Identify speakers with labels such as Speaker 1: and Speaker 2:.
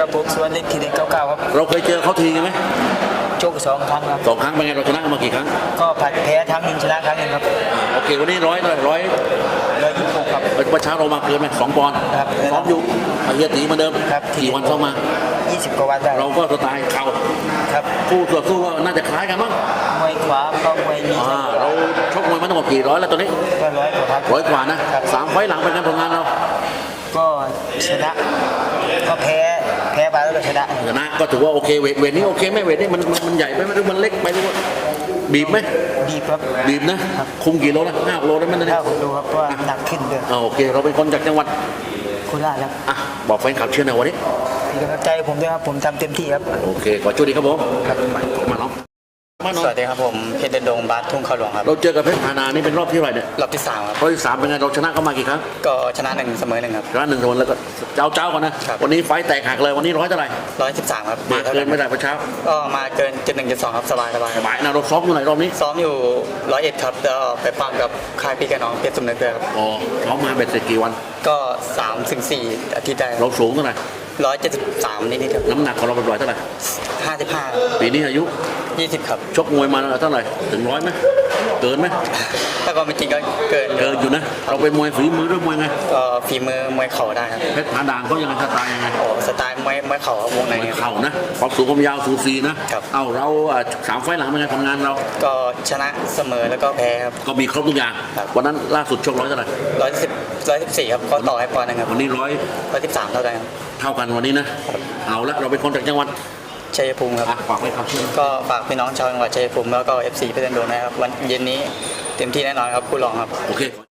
Speaker 1: กับผมสวนเล็กทีเด็กเก้าครับ
Speaker 2: เราเคยเจอเขาทีกันไหม
Speaker 1: โชค2 ครั้งครับ
Speaker 2: 2 ครั้งเป็นไงเราชนะมากี่ครั้ง
Speaker 1: ก็ผัดแพ้ครั้งหนึ่งชนะครั้งหนึ่งครับ
Speaker 2: โอเควันนี้126
Speaker 1: ครับ
Speaker 2: เมื่อเช้าเรามาเกินไหม2 ปอนด์
Speaker 1: ครับ
Speaker 2: ซ้อมอยู่เฮียตีเหมือนเดิม
Speaker 1: ครับ
Speaker 2: กี่วันซ้อมมา
Speaker 1: 20 กว่าวันได้
Speaker 2: เราก็สไตล์เข่า
Speaker 1: ครับ
Speaker 2: คู่ต่อสู้ก็น่าจะคล้ายกันมั้ง
Speaker 1: มวยขวาก็มวยมี
Speaker 2: เราชกมวยมาทั้งหมดกี่ร้อยแล้วตอนนี้
Speaker 1: ก็100 กว่า
Speaker 2: นะ3 ไฟล์หลังเป็นการผลงานเรา
Speaker 1: ก็ชนะก็แพ้ไปแล้วก็ชนะ
Speaker 2: ก็ถือว่าโอเคเวทนี้โอเคไหมเวทนี้มันใหญ่ไปไหมหรือมันเล็กไปหรือว่าบีบไหม
Speaker 1: บีบครับ
Speaker 2: บีบนะคุมกี่โลนะ5 โลได้ไหมเนี่ย
Speaker 1: 5 โลครับเพราะว่าหนักขึ้นเลย
Speaker 2: โอเคเราเป็นคนจากจังหวัด
Speaker 1: โคราชครับ
Speaker 2: บอกแฟนคลับเชื่อหน่อยวันนี้
Speaker 1: มีกำลังใจผมด้วยครับผมทำเต็มที่ครับ
Speaker 2: โอเคขอโชคดีครับผมครับมาน้อง
Speaker 1: สวัสดีครับผมเพชรเดนดงบาสทุ่งเขาหลวงครับ
Speaker 2: เราเจอกับเพชรพานานี่เป็นรอบที่เท่าไหร่เนี่ย
Speaker 1: รอบที่3ครับ
Speaker 2: รอบที่3เป็นไงเราชนะเขามากี่ครั้ง
Speaker 1: ก็ชนะ1เสมอ1ครับ
Speaker 2: ชนะ1เสมอแล้วก็เจ้าก่อนนะวันนี้ไฟแตกหักเลยวันนี้เท่าไหร่
Speaker 1: 113ครับ
Speaker 2: มาเกินไม่ได้ประชา
Speaker 1: ก็มาเกิน71.2ครับสบาย
Speaker 2: นะเราซ้อมอยู่ไหนรอบนี้
Speaker 1: ซ้อมอยู่101ครับแล้วไปปั้มกับค่ายพี่กับน้องเพชรสมนึกด้วยครับ
Speaker 2: ซ้อมมาเบ็ดเสร็จกี่วัน
Speaker 1: ก็3-4 อาทิตย์ได้
Speaker 2: เราสูงเท่าไหร่
Speaker 1: 173นิดๆครับ
Speaker 2: น้ำหนักของเราเป็นร้อยเท่าไหร่
Speaker 1: 55
Speaker 2: ปีนี้อายุ
Speaker 1: 20ครับ
Speaker 2: ชกมวยมาเท่าไหร่ถึง100ไหมเกินไหม
Speaker 1: ถ้าก็ไม่จริงก็เกิน
Speaker 2: อยู่นะเราเป็นมวยฝีมือด้วยมวยไง
Speaker 1: ก็ฝีมือมวยเข่าได้ครับ
Speaker 2: เพชรผาด่างเขายังไงสไตล์ยังไง
Speaker 1: สไตล์มวยเข่าวงใน
Speaker 2: เข่านะความสูงความยาวสูสีนะเรา3 ไฟล์หลังเป็นไงทำงานเรา
Speaker 1: ก็ชนะเสมอแล้วก็แพ้ครับ
Speaker 2: ก็มีครบทุกอย่างวันนั้นล่าสุดชกเท่าไหร่
Speaker 1: 114ครับก็ต่อให้ปอนด์นึงครับ
Speaker 2: วันนี้
Speaker 1: 113เท่ากัน
Speaker 2: วันนี้นะเอาละเราเป็นคนจากจังหวัด
Speaker 1: ชัยภูมิครับ
Speaker 2: ฝากไว้ครับ
Speaker 1: ก็ฝากพี่น้องชาวจังหวัดชัยภูมิแล้วก็ FC เพชรเดนดงนะครับวันเย็นนี้เต็มที่แน่นอนครับคู่รองครับ
Speaker 2: โอเค